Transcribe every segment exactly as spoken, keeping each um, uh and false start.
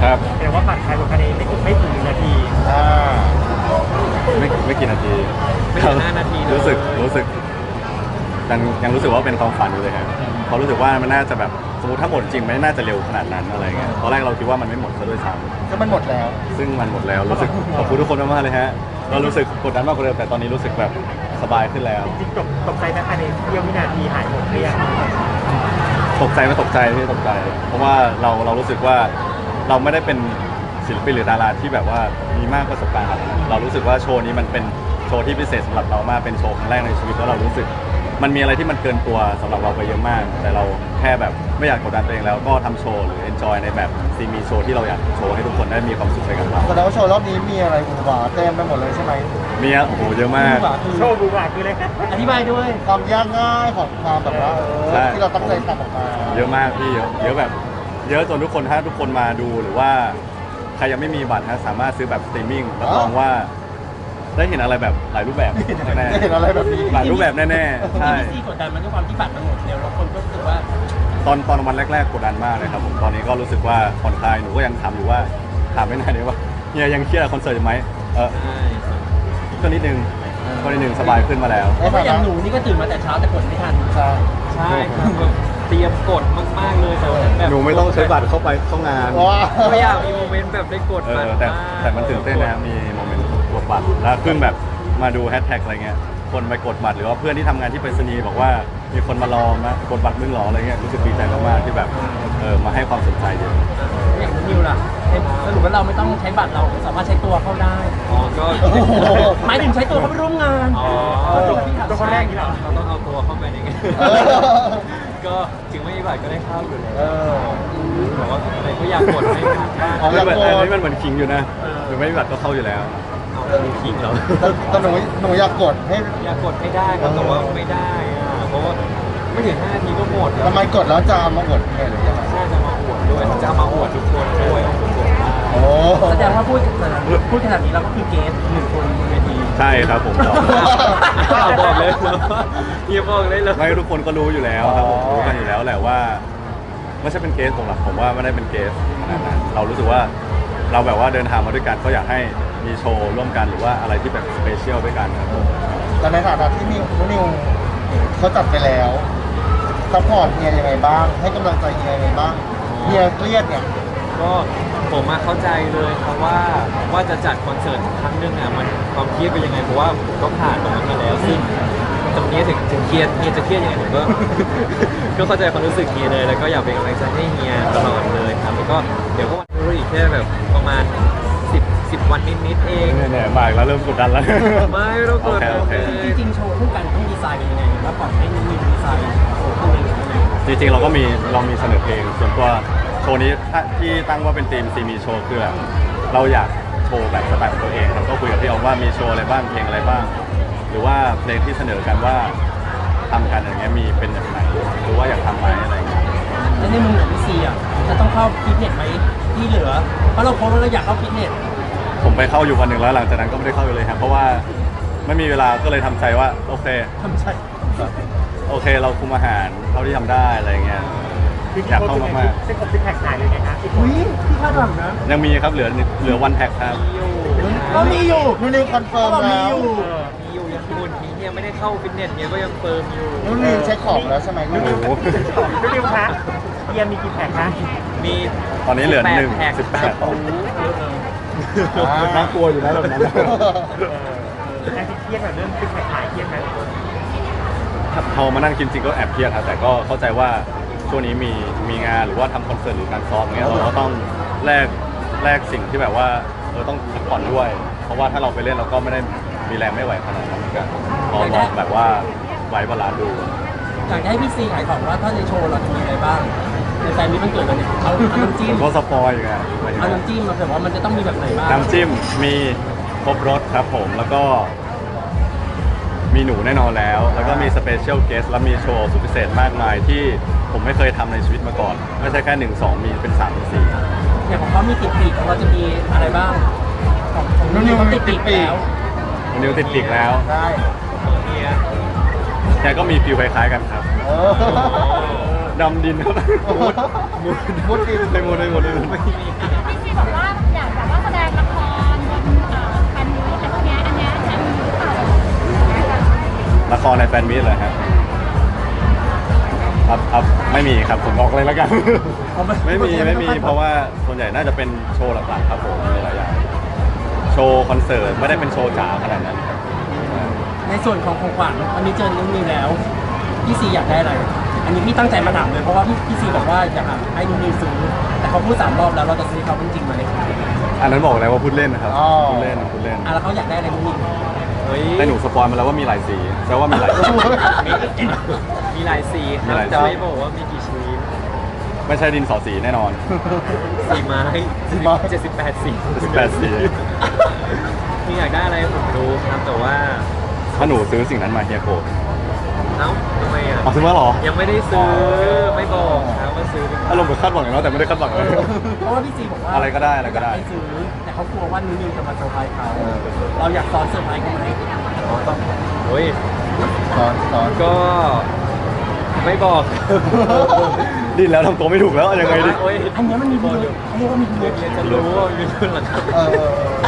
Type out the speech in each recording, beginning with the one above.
ครับแต่ว่าบัตรขายหมดภายในไม่ถึงไม่ถึงนาทีอ่าไม่ไม่กี่นาทีไม่ถึงห้านาทีรู้สึกรู้สึกยังยังรู้สึกว่าเป็นความฝันอยู่เลยครับเพราะรู้สึกว่ามันน่าจะแบบสมมติถ้าหมดจริงไม่น่าจะเร็วขนาดนั้นอะไรเงี้ยตอนแรกเราคิดว่ามันไม่หมดซะด้วยซ้ำก็มันหมดแล้วซึ่งมันหมดแล้วรู้สึกขอบคุณทุกคนมากๆเลยฮะเรารู้สึกกดดันมากกว่าเดิมแต่ตอนนี้รู้สึกแบบสบายขึ้นแล้วจริงๆตกตกใจนะภายในเสี้ยววินาทีหายหมดเรียงตกใจไม่ตกใจไม่ตกใจ เพราะว่าเราเรารู้สึกว่าเราไม่ได้เป็นศิลปินหรือดาราที่แบบว่ามีมากประสบการณ์ขนาดนั้นเรารู้สึกว่าโชว์นี้มันเป็นโชว์ที่พิเศษสำหรับเรามากเป็นโชว์ครั้งแรกในชีวิตแล้วเรารู้สึกมันมีอะไรที่มันเกินตัวสำหรับเราไปเยอะมากแต่เราแค่แบบไม่อยากกดดันตัวเองแล้วก็ทำโชว์หรือ enjoy ในแบบซีมีโชว์ที่เราอยากโชว์ให้ทุกคนได้มีความสุขไปกับเราแสดงว่าโชว์รอบนี้มีอะไรหวานเต็มไปหมดเลยใช่ไหมมีอ่ะโอ้โหเยอะมากโชว์บูบาคืออะไรครับอธิบายด้วยความยากง่ายของความแบบว่าเออที่เราตั้งใจทำออกมาเยอะมากพี่เยอะเยอะแบบเยอะจนทุกคนถ้าทุกคนมาดูหรือว่าใครยังไม่มีบัตรนะสามารถซื้อแบบสตรีมมิ่งรับรองว่าได้เห็นอะไรแบบหลายรูปแบบแน่ได้เห็นอะไรแบบนี้หลายรูปแบบแน่ๆใช่ที่กดดันมันด้วยความที่บัตรมันหมดเร็วแล้วคนก็รู้สึกว่าตอนตอนวันแรกๆกดดันมากเลยครับผมตอนนี้ก็รู้สึกว่าผ่อนคลายหนูก็ยังถามอยู่ว่าถามไม่นานเลยว่าเฮียยังเครียดคอนเสิร์ตอยู่ไหมเออก็นิดนึงก็นิดนึงสบายขึ้นมาแล้วเพราะอย่างหนูนี่ก็ตื่นมาแต่เช้าแต่กดไม่ทันใช่ใช่เตรียมกดมากๆเลยแต่แบบหนูไม่ต้องใช้บัตรเข้าไปเข้างานไม่อยากมีโมเมนต์แบบได้กดบัตรแต่แต่มันตื่นเต้นนะมีโมเมนต์กดบัตรแล้วเพิ่งแบบมาดูแฮชแท็กอะไรเงี้ยคนไปกดบัตรหรือว่าเพื่อนที่ทำงานที่ไปรษณีย์บอกว่ามีคนมารอมากดบัตรมึงหรออะไรเงี้ยรู้สึกดีใจมากๆที่แบบเออมาให้ความสนใจเยอะอย่างนิวล่ะสรุปว่าเราไม่ต้องใช้บัตรเราสามารถใช้ตัวเข้าได้อ๋อก็หมายถึงใช้ตัวเข้าไปร่วมงานอ๋อตัวคนแรกนี่เหรอเราต้องเอาตัวเข้าไปในงานก็ถึงไม่มีบัตรก็ได้เข้าอยู่แล้วบอกว่าอะไรก็อยากกดให้ทันอันนี้มันเหมือนคิงอยู่นะหรือไม่มีบัตรก็เข้าอยู่แล้วมีคิงเหรอแต่หนูหนูอยากกดให้อยากกดให้ได้ครับแต่ว่าไม่ได้เพราะว่าไม่ถึงห้านาทีก็หมดทำไมกดแล้วจะมาอวดแค่หรือยังไงใช่จะมาอวดด้วยจะมาอวดทุกคนด้วยโอ้แสดงว่าพูดพูดขนาดนี้เราก็คือเกสหนึ่งคนบนเวทีใช่ครับผมบอกเลยเฮียบอกเลยเลยไม่ทุกคนก็รู้อยู่แล้วครับผมรู้กันอยู่แล้วแหละว่าไม่ใช่เป็นเกสผมหรอกผมว่าไม่ได้เป็นเกสขนาดนั้นเรารู้สึกว่าเราแบบว่าเดินทางมาด้วยกันก็อยากให้มีโชว์ร่วมกันหรือว่าอะไรที่แบบสเปเชียลด้วยกันครับแต่ในฐานะที่นิวนิวเขาจัดไปแล้วซัพพอร์ตเฮียยังไงบ้างให้กำลังใจเฮียยังไงบ้างเฮียเครียดเนี่ยก็ผมมาเข้าใจเลยครับว่าว่าจะจัดคอนเสิร์ตครั้งหนึ่งอ่ะมันความเครียดเป็นยังไงเพราะว่าผมก็ผ่านตรงนั้นมาแล้วซึ่งตรงนี้ถึงถึงเครียดเฮียจะเครียดยังไงผมก็ก็เข้าใจความรู้สึกเฮียเลยแล้วก็อยากเป็นกำลังใจให้เฮียตลอดเลยครับแล้วก็เดี๋ยวก็วันรู้อีกแค่แบบประมาณสิบสิบวันนิดๆเองเนี่ยๆมาอีกแล้วเริ่มกดดันแล้วไม่เรากดดันจริงๆโชว์คู่กันต้องดีไซน์เป็นยังไงแล้วปล่อยให้นิวดีไซน์โชว์คู่กันจริงๆเราก็มีเรามีเสนอเพลงส่วนตัวโชว์นี้ที่ตั้งว่าเป็นทีมซีมีโชว์คือแบบเราอยากโชว์แบบสไตล์ของตัวเองเราก็คุยกับพี่ออมว่ามีโชว์อะไรบ้างเพลงอะไรบ้างหรือว่าเพลงที่เสนอกันว่าทำกันอย่างเงี้ยมีเป็นอย่างไรหรือว่าอยากทำไหมอะไรเงี้ยแล้วในมุมของพี่ซีอ่ะจะต้องเข้าฟิตเนสไหมที่เหลือเพราะเราโพสต์ว่าเราอยากเข้าฟิตเนสผมไปเข้าอยู่วันหนึ่งแล้วหลังจากนั้นก็ไม่ได้เข้าเลยครับเพราะว่าไม่มีเวลาก็เลยทำใจว่าโอเคทำใจโอเคเราคุมอาหารเท่าที่ทำได้อะไรเงี้ยอยากเข้ามากๆเส้นผมซิกแพคหายเลยไงครับอุ้ยที่คาดหวังนะยังมีครับเหลือเหลือวันแพ็คครับก็มีอยู่นู่นนี่คอนเฟิร์มแล้วมีอยู่ยังคุณเฮียไม่ได้เข้าฟิตเนสเฮียก็ยังเฟิร์มอยู่นู่นนี่เช็คของแล้วใช่ไหมนู่นนี่นู่นนี่คะเฮียมีกี่แพ็คคะมีตอนนี้เหลือหนึ่งสิบแปดน่ากลัวอยู่นะแบบนั้นนั่งเครียดแบบเรื่องซิกแพคหายเครียดไหมพอมานั่งกินจริงก็แอบเครียดครับแต่ก็เข้าใจว่าช่วงนี้มีมีงานหรือว่าทำคอนเสิร์ตหรือการซ้อมเงี้ยเราก็ต้องแลกแลกสิ่งที่แบบว่าเออต้องพักผ่อนด้วยเพราะว่าถ้าเราไปเล่นเราก็ไม่ได้มีแรงไม่ไหวขนาดนั้นเหมือนกันพอลองแบบว่าไว้บาลานซ์ดูอยากให้พี่ซีขายของว่าถ้าในโชว์เราจะมีอะไรบ้างในแฟนนี้มันเกิดอะไรเอาน้ำจิ้มก็สปอยอยู่ไงเอาน้ำจิ้มมาแต่ว่ามันจะต้องมีแบบไหนบ้างน้ำจิ้มมีครบรสครับผมแล้วก็มีหนูแน่นอนแล้วแล้วก็มีสเปเชียลเกสและมีโชว์สุดพิเศษมากมายที่ผมไม่เคยทำในชีวิตมาก่อนไม่ใช่แค่หนึ่งสองมีเป็นสามเป็นสี่อย่างของเขามีติดปีกของเราจะมีอะไรบ้างของนิวมันติดปีกแล้วนิวติดปีกแล้วใช่แกก็มีฟิลคล้ายๆกันครับดำดินครับมุดมุดดินไม่มุดไม่มุดไม่มุดพี่ซีบอกว่าอยากแบบว่าแสดงละครบนเอ่อแฟนมีตอะไรพวกเนี้ยอันเนี้ยจะมีหรือเปล่าละครในแฟนมิตรเหรอครับครับครับไม่มีครับผมบอกเลยแล้วกัน ไม่มีไม่มีเพราะว่าส่วนใหญ่น่าจะเป็นโชว์หลักๆครับผมมีหลายอย่างโชว์คอนเสิร์ตไม่ได้เป็นโชว์จ๋าขนาดนั้นครับในส่วนของของขวัญวันนี้เจอน้องนิวแล้วพี่ซีอยากได้อะไร อันนี้พี่ตั้งใจมาถามเลยเพราะว่าพี่พี่ซีบอกว่าอยากให้น้องนิวซื้อแต่เขาพูดสามรอบแล้วเราจะซื้อเขาจริงๆไหมอันนั้นบอกแล้วว่าพูดเล่นนะครับอ๋อพูดเล่นพูดเล่นอ่ะแล้วเขาอยากได้อะไรน้องนิวเฮ้ยแต่หนูสปอยมาแล้วว่ามีหลายสีแปลว่ามีหลายสีมีมีหลายสีคมีรับหลายสีจะไม่บอกว่ามีกี่ชนิดไม่ใช่ดินสอสีแน่นอนสีไม้สีไม้เจ็ดสิบแปดสีสิบแปดสีมีอยากได้อะไรผมรู้ครับแต่ว่าถ้าหนูซื้อสิ่งนั้นมาเฮียโกรธเอ้าทำไมอ่ะเอาซื้อมาเหรอยังไม่ได้ซื้อไม่บอกครับว่าซื้อหรือเปล่าอารมณ์เหมือนคาดหวังอย่างนั้นแต่ไม่ได้คาดหวังเลยเพราะว่าพี่ซีบอกว่าอะไรก็ได้อะไรก็ได้ยาให้ซื้อแต่เขากลัวว่าน้องนิวจะมาเซอร์ไพรส์เขาเราอยากซ้อนเซอร์ไพรส์เขาไหมอ๋อต้องโอ้ยสอนสอนก็ไม่บอกดิ้นแล้วทำตัวไม่ถูกแล้วเอายังไงดิโอ้ยอันเนี้ยมันมีพิรุธเขาเรียกว่ามีพิรุธเรียนจะรู้ว่ามีรุ่นหลังครับเออ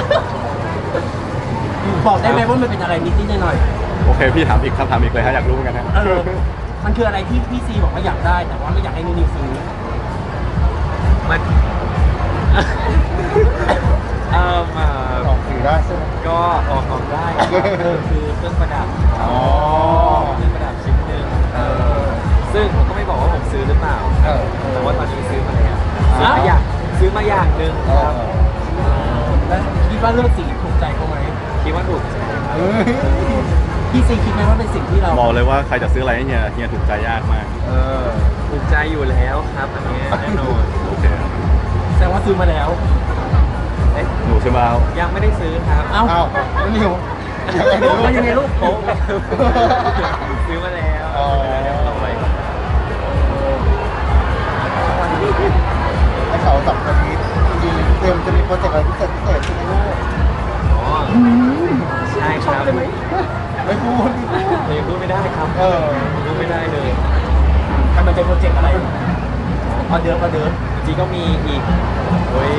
บอกได้ไหมว่ามันเป็นอะไรนิดๆหน่อยโอเคพี่ถามอีกคำถามอีกเลยฮะอยากรู้เหมือนกันฮะๆเออมันคืออะไรที่พี่ซีบอกว่าอยากได้ แต่ว่าไม่อยากให้น้องนิวซื้อมัน เอ่อมาออกสื่อได้ใช่ไหมก็ออกออกได้ครับคือเครื่องประดับอ๋อเครื่องประดับชิ้นหนึ่งเออซึ่งผมก็ไม่บอกว่าผมซื้อหรือเปล่าเออแต่ว่าตอนนี้ซื้อมาแล้วซื้อมาอย่างซื้อมาอย่างหนึ่งเอครับอแล้วคิดว่าเลือกสีถูกใจเขาไหมคิดว่าถูกใจครับเฮ้ยพี่ซีคิดไหมว่าเป็นสิ่งที่เราบอกเลยว่าใครจะซื้ออะไรให้เฮียเฮียถูกใจยากมากเออถูกใจอยู่แล้วครับอันนี้แน่นอนโอเคแสดงว่าซื้อมาแล้วเอ๊ะหนูซื้อมาแล้วยังไม่ได้ซื้อครับเอ้าเอ้าน้องนิวยังไงลูกลูกมันยังไงลูกโป๊ะซื้อมาแล้วอ๋อซื้อมาแล้วเอาไว้ก่อนให้เขาจับคนนี้จริงๆเตรียมจะมีโปรเจกต์อะไรพิเศษพิเศษใช่ไหมลูกอ๋อใช่ครับไม่พูดไม่พูดยังพูดไม่ได้ครับเออพูดไม่ได้เลยมันเป็นโปรเจกต์อะไรออเดิร์ฟออเดิร์ฟจริงๆก็มีอีกเฮ้ย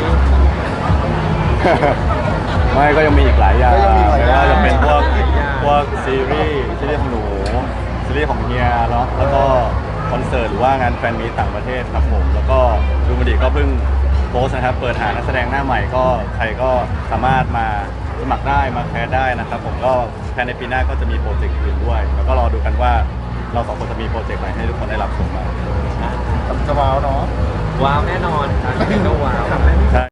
ไม่ก็ยังมีอีกหลายอย่างก็ยังมีหลายอย่างไม่ว่าจะเป็นพวกหลายอย่างพวกซีรีส์ซีรีส์ของหนูซีรีส์ของเฮียเนาะแล้วก็คอนเสิร์ตหรือว่างานแฟนมีตต่างประเทศครับผมแล้วก็ดูมันดีก็เพิ่งโพสต์นะครับเปิดหานักแสดงหน้าใหม่ก็ใครก็สามารถมาสมัครได้มาแคสได้นะครับผมก็ภายในปีหน้าก็จะมีโปรเจกต์อื่นด้วย แล้วก็รอดูกันว่าเราสองคนจะมีโปรเจกต์ไหนให้ทุกคนได้รับชมมาจะว้าวเนาะว้าวแน่นอนครับยังไงก็ว้าวครับ